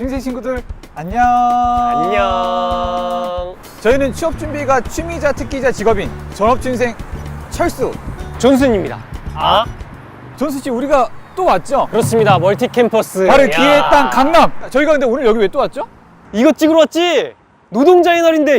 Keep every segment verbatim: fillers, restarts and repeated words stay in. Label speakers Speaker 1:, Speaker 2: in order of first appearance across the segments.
Speaker 1: 중생 친구들 안녕.
Speaker 2: 안녕.
Speaker 1: 저희는 취업 준비가 취미자 특기자 직업인 전업중생 철수
Speaker 2: 존슨입니다. 아?
Speaker 1: 존수 씨, 우리가 또 왔죠?
Speaker 2: 그렇습니다. 멀티 캠퍼스.
Speaker 1: 바로
Speaker 2: 야.
Speaker 1: 기회의 땅 강남. 저희가 근데 오늘 여기 왜 또 왔죠?
Speaker 2: 이거 찍으러 왔지? 노동자의 날인데.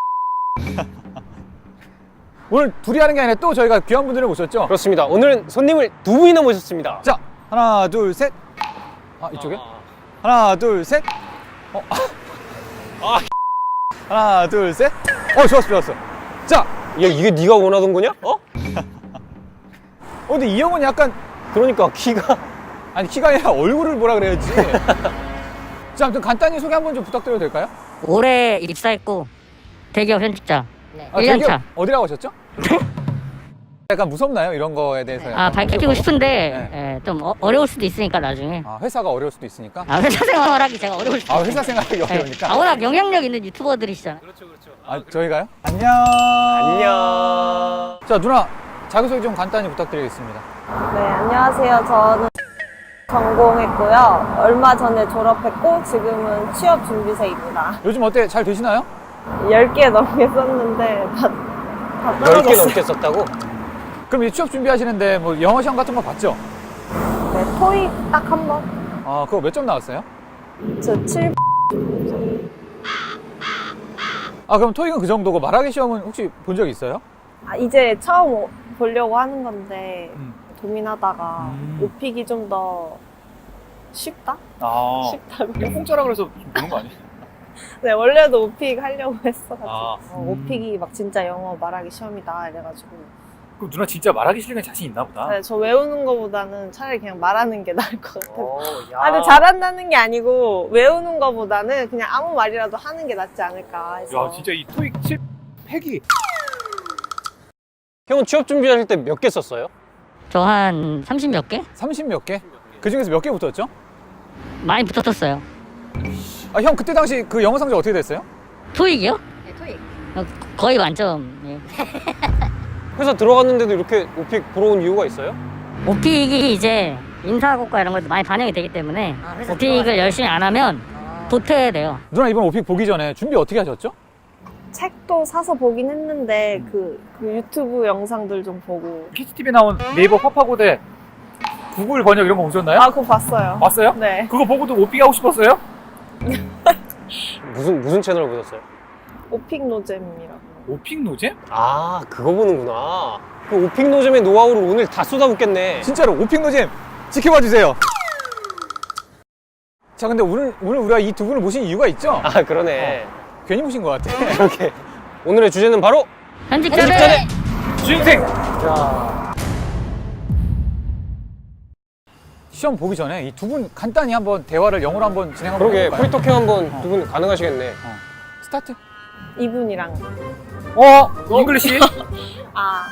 Speaker 1: 오늘 둘이 하는 게 아니라 또 저희가 귀한 분들을 모셨죠?
Speaker 2: 그렇습니다. 오늘은 손님을 두 분이나 모셨습니다.
Speaker 1: 자, 하나 둘 셋. 아, 이쪽에?
Speaker 2: 아.
Speaker 1: 하나 둘 셋. 어.
Speaker 2: 아.
Speaker 1: 하나 둘 셋. 어, 좋았어 좋았어. 자,
Speaker 2: 야, 이게 네가 원하던 거냐? 어?
Speaker 1: 어 근데 이 형은 약간,
Speaker 2: 그러니까 키가.
Speaker 1: 아니 키가 아니라 얼굴을 뭐라 그래야지. 자, 아무튼 간단히 소개 한번 좀 부탁드려도 될까요?
Speaker 3: 올해 입사했고 대기업 현직자
Speaker 1: 아,
Speaker 3: 일 년
Speaker 1: 저기
Speaker 3: 차.
Speaker 1: 어디라고 하셨죠? 약간 무섭나요? 이런 거에 대해서.
Speaker 3: 아,
Speaker 1: 약간
Speaker 3: 밝히고 싶은데
Speaker 1: 네.
Speaker 3: 예, 좀 어, 어려울 수도 있으니까 나중에.
Speaker 1: 아, 회사가 어려울 수도 있으니까.
Speaker 3: 아, 회사 생활하기 제가 어려울 수도
Speaker 1: 아,
Speaker 3: 있어요.
Speaker 1: 회사 생활하기
Speaker 3: 예.
Speaker 1: 어려우니까.
Speaker 3: 아, 워낙 영향력 있는 유튜버들이시잖아요.
Speaker 1: 아, 저희가요? 안녕.
Speaker 2: 안녕.
Speaker 1: 자, 누나 자기소개 좀 간단히 부탁드리겠습니다.
Speaker 4: 네, 안녕하세요. 저는 전공했고요. 얼마 전에 졸업했고 지금은 취업 준비생입니다.
Speaker 1: 요즘 어때? 잘 되시나요?
Speaker 4: 열 개 넘게 썼는데 다, 다
Speaker 2: 열 개
Speaker 4: 떨어졌어요.
Speaker 2: 넘게 썼다고?
Speaker 1: 그럼 이 취업 준비하시는데 뭐 영어 시험 같은 거 봤죠?
Speaker 4: 네, 토익 딱 한 번.
Speaker 1: 아, 그거 몇 점 나왔어요?
Speaker 4: 저 칠.
Speaker 1: 아, 그럼 토익은 그 정도고 말하기 시험은 혹시 본 적 있어요?
Speaker 4: 아, 이제 처음 오- 보려고 하는 건데
Speaker 1: 음.
Speaker 4: 고민하다가
Speaker 1: 음.
Speaker 4: 오픽이 좀 더 쉽다?
Speaker 1: 아,
Speaker 4: 쉽다고.
Speaker 1: 공짜라 그래서 보는 거 아니에요?
Speaker 4: 네, 원래도 오픽 하려고 했어가지고
Speaker 1: 아.
Speaker 4: 어, 오픽이 막 진짜 영어 말하기 시험이다 이래가지고
Speaker 1: 그럼 누나 진짜 말하기 싫으면 자신 있나 보다.
Speaker 4: 네, 저 외우는 거보다는 차라리 그냥 말하는 게 나을 것 같아요.
Speaker 2: 어, 야.
Speaker 4: 아, 근데 잘한다는 게 아니고 외우는 거보다는 그냥 아무 말이라도 하는 게 낫지 않을까 해서.
Speaker 1: 이 토익 칠 팩이.
Speaker 2: 형은 취업 준비하실 때 몇 개 썼어요?
Speaker 3: 저 한 삼십 몇 개?
Speaker 1: 삼십 몇 개? 그 중에서 몇 개 붙었죠?
Speaker 3: 많이 붙었었어요.
Speaker 1: 아, 형 그때 당시 그 영어 성적 어떻게 됐어요?
Speaker 3: 토익이요? 네, 토익. 어, 거의 만점. 예.
Speaker 2: 회사 들어갔는데도 이렇게 오픽 보러 온 이유가 있어요?
Speaker 3: 오픽이 이제 인사고과 이런 것도 많이 반영이 되기 때문에 오픽을 열심히 안 하면 도태돼요.
Speaker 1: 누나 이번 오픽 보기 전에 준비 어떻게 하셨죠?
Speaker 4: 책도 사서 보긴 했는데 그, 그 유튜브 영상들 좀 보고.
Speaker 1: 키즈티비 나온 네이버 파파고대 구글 번역 이런 거 보셨나요?
Speaker 4: 아, 그거 봤어요.
Speaker 1: 봤어요?
Speaker 4: 네.
Speaker 1: 그거 보고도 오픽 하고 싶었어요?
Speaker 2: 무슨 무슨 채널 보셨어요?
Speaker 4: 오픽 노잼이라고.
Speaker 1: 오픽 노잼?
Speaker 2: 아, 그거 보는구나. 그 오픽 노잼의 노하우를 오늘 다 쏟아붓겠네.
Speaker 1: 진짜로 오픽 노잼 지켜봐 주세요. 자, 근데 오늘 오늘 우리가 이 두 분을 모신 이유가 있죠?
Speaker 2: 아, 그러네.
Speaker 1: 괜히 모신 것 같아.
Speaker 2: 이렇게. 오늘의 주제는 바로
Speaker 3: 현직자들!
Speaker 2: 현직자들!
Speaker 1: 준생.
Speaker 2: 자,
Speaker 1: 시험 보기 전에 이 두 분 간단히 한번 대화를 영어로 한번 진행 한번
Speaker 2: 그러게
Speaker 1: 해볼까요?
Speaker 2: 프리토킹 한번 두 분 가능하시겠네.
Speaker 1: 스타트.
Speaker 4: 이분이랑.
Speaker 1: 어, 잉글리시.
Speaker 4: 아.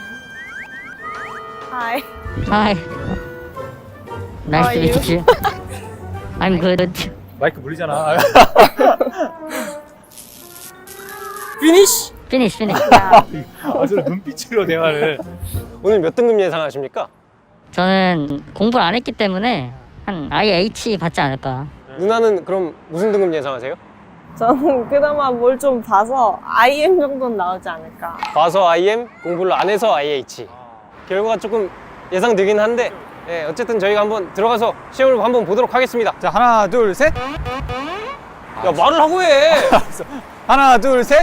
Speaker 4: 하이.
Speaker 3: Hi. Nice to
Speaker 4: How are
Speaker 3: meet you. I'm good.
Speaker 1: 마이크 물리잖아.
Speaker 2: 피니쉬!
Speaker 3: Finish, finish.
Speaker 1: 아, 저 눈빛으로 대화를.
Speaker 2: 오늘 몇 등급 예상하십니까?
Speaker 3: 저는 공부를 안 했기 때문에 한 아이에이치 받지 않을까.
Speaker 2: 누나는 그럼 무슨 등급 예상하세요?
Speaker 4: 저는 그나마 뭘 좀 봐서 아이엠 정도는 나오지 않을까.
Speaker 2: 봐서 아이엠, 공부를 안 해서 아이에이치. 결과가 조금 예상되긴 한데, 예, 어쨌든 저희가 한번 들어가서 시험을 한번 보도록 하겠습니다.
Speaker 1: 자, 하나, 둘, 셋.
Speaker 2: 야, 말을 하고 해!
Speaker 1: 하나, 둘, 셋.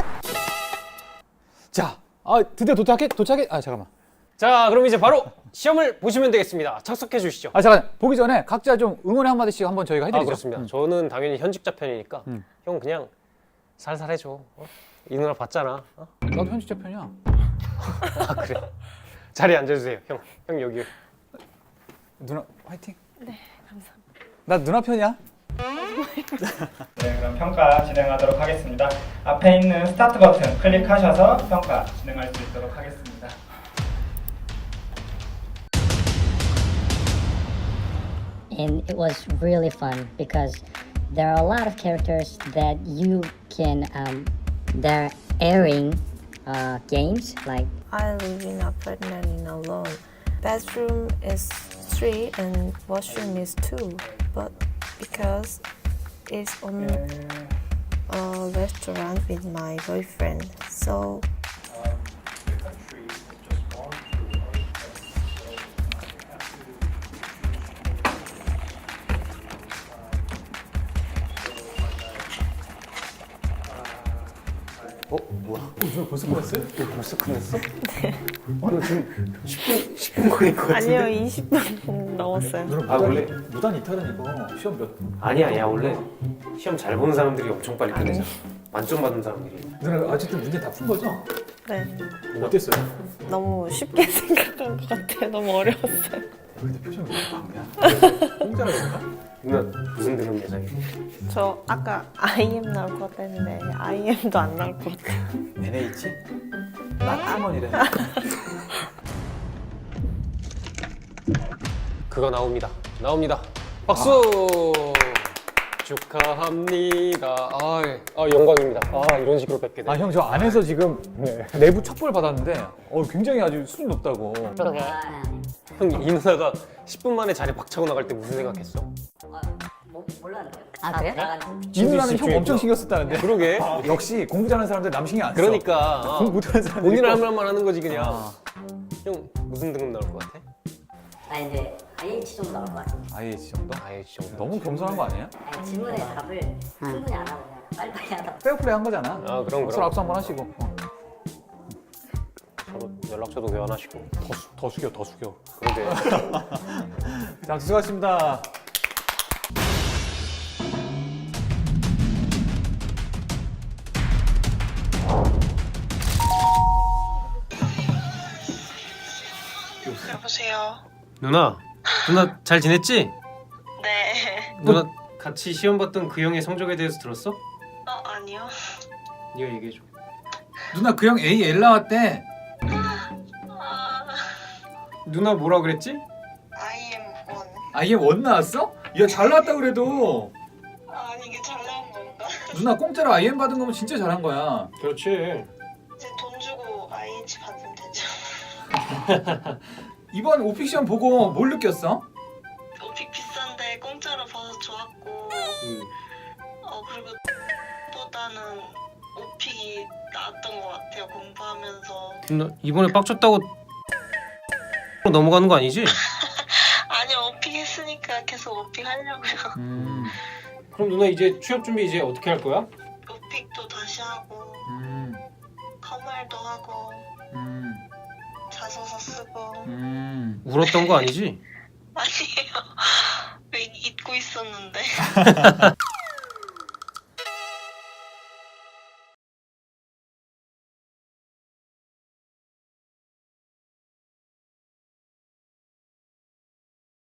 Speaker 1: 자, 아, 드디어 도착해, 도착해. 아, 잠깐만.
Speaker 2: 자, 그럼 이제 바로 시험을 보시면 되겠습니다. 착석해 주시죠.
Speaker 1: 아, 잠깐. 보기 전에 각자 좀 응원의 한 마디씩 한번 저희가 해드리죠.
Speaker 2: 아, 그렇습니다.
Speaker 1: 음.
Speaker 2: 저는 당연히 현직자 편이니까
Speaker 1: 음.
Speaker 2: 형 그냥 살살 해줘. 어? 이 누나 봤잖아. 어?
Speaker 1: 나도 현직자 편이야.
Speaker 2: 아, 그래. 자리에 앉아주세요. 형, 형 여기.
Speaker 1: 누나 화이팅. 네, 감사합니다. 나 누나 편이야.
Speaker 5: 네, 그럼 평가 진행하도록 하겠습니다. 앞에 있는 스타트 버튼 클릭하셔서 평가 진행할 수 있도록 하겠습니다.
Speaker 6: And it was really fun because there are a lot of characters that you can um, they're airing uh, games like
Speaker 4: I live in an apartment in alone. Bedroom is three and washroom is two. But because is on a restaurant with my boyfriend. So
Speaker 1: 어 뭐야? 어, 누나 벌써 끝났어요?
Speaker 2: 벌써 끝냈어? 어, 너 지금 십 분, 십 분 걸릴 것 같은데?
Speaker 4: 아니요, 이십 분 넘었어요.
Speaker 1: 누나
Speaker 2: 아,
Speaker 1: 무단,
Speaker 2: 원래?
Speaker 1: 무단 이탈은 이거 시험 몇 분?
Speaker 2: 아니야, 야 원래 시험 잘 보는 사람들이 엄청 빨리 끝내잖아. 만점 받은 사람들이.
Speaker 1: 누나 아직도 문제 다 푼 거죠?
Speaker 4: 네,
Speaker 1: 어땠어요?
Speaker 4: 너무 쉽게 생각한 것 같아요. 너무 어려웠어요.
Speaker 1: 근데 표정이 왜 방이야? 공짜라 그런가?
Speaker 2: 누나 무슨 드럼 예상해?
Speaker 4: 저 아까 아이엠 나올 것 같다 했는데 아이엠도 안 나올 것 같아요.
Speaker 1: 엔에이치? 난 아몬이래.
Speaker 2: 그거 나옵니다. 나옵니다. 박수! 축하합니다. 아, 아 영광입니다. 아 이런 식으로 뵙게 돼.
Speaker 1: 아 형 저 안에서 지금 내부 첩보를 받았는데 어 굉장히 아주 수준 높다고.
Speaker 3: 그러게.
Speaker 2: 형 이 누나가 십 분 만에 자리 박차고 나갈 때 무슨 생각했어?
Speaker 3: 몰랐는데. 아 그래?
Speaker 1: 이 누나는 형
Speaker 2: 집중했구나.
Speaker 1: 엄청 신경 썼다는데.
Speaker 2: 그러게.
Speaker 1: 역시 공부 잘하는 사람들 남 신경 안 써.
Speaker 2: 그러니까 어.
Speaker 1: 공부 못하는 사람들.
Speaker 2: 본인 할 말만 하는 거지 그냥.
Speaker 1: 아.
Speaker 2: 형 무슨 등급 나올 것 같아?
Speaker 3: 아 이제 아이에이치 정도 나올 것 같아.
Speaker 1: 아이에이치 정도?
Speaker 2: 아예 정도.
Speaker 1: 너무 겸손한 거 아니에요?
Speaker 3: 아니, 질문에 답을 충분히 안 하고 그냥 빨리빨리 하다.
Speaker 1: 페어플레이 한 거잖아.
Speaker 2: 아 그럼
Speaker 1: 서로
Speaker 2: 그럼.
Speaker 1: 악수 한번 하시고. 어.
Speaker 2: 서로 연락처도 교환하시고.
Speaker 1: 더, 수, 더 숙여, 더 숙여.
Speaker 2: 그러게.
Speaker 1: 자, 수고하셨습니다.
Speaker 7: 여보세요.
Speaker 2: 누나, 누나 잘 지냈지?
Speaker 7: 네.
Speaker 2: 누나 같이 시험 봤던 그 형의 성적에 대해서 들었어?
Speaker 7: 어 아니요.
Speaker 2: 네가 얘기해줘.
Speaker 1: 누나 그 형 A L 나왔대.
Speaker 7: 아
Speaker 2: 누나 뭐라 그랬지?
Speaker 7: 아이엠 원.
Speaker 1: 아얘 원 나왔어? 야 잘 나왔다 그래도.
Speaker 7: 아니 이게 잘 나온 건가?
Speaker 1: 누나 공짜로 아이엠 받은 거면 진짜 잘한 거야.
Speaker 2: 그렇지.
Speaker 7: 이제 돈 주고 아이에이치 받으면 되죠.
Speaker 1: 이번 오픽 시험 보고 뭘 느꼈어?
Speaker 7: 오픽 비싼데 공짜로 봐서 좋았고.
Speaker 2: 응.
Speaker 7: 어 그리고 보다는 오픽이 나았던 것 같아요. 공부하면서.
Speaker 2: 누나 이번에 빡쳤다고 넘어가는 거 아니지?
Speaker 7: 아니 오픽 했으니까 계속 오픽 하려고요.
Speaker 1: 음,
Speaker 2: 그럼 누나 이제 취업 준비 이제 어떻게 할 거야?
Speaker 7: 오픽도 다시 하고
Speaker 1: 음,
Speaker 7: 컴활도 하고
Speaker 1: 음,
Speaker 7: 자소서 쓰고.
Speaker 1: 음.
Speaker 2: 울었던 거 아니지?
Speaker 7: 아니에요. 왜 잊고 있었는데.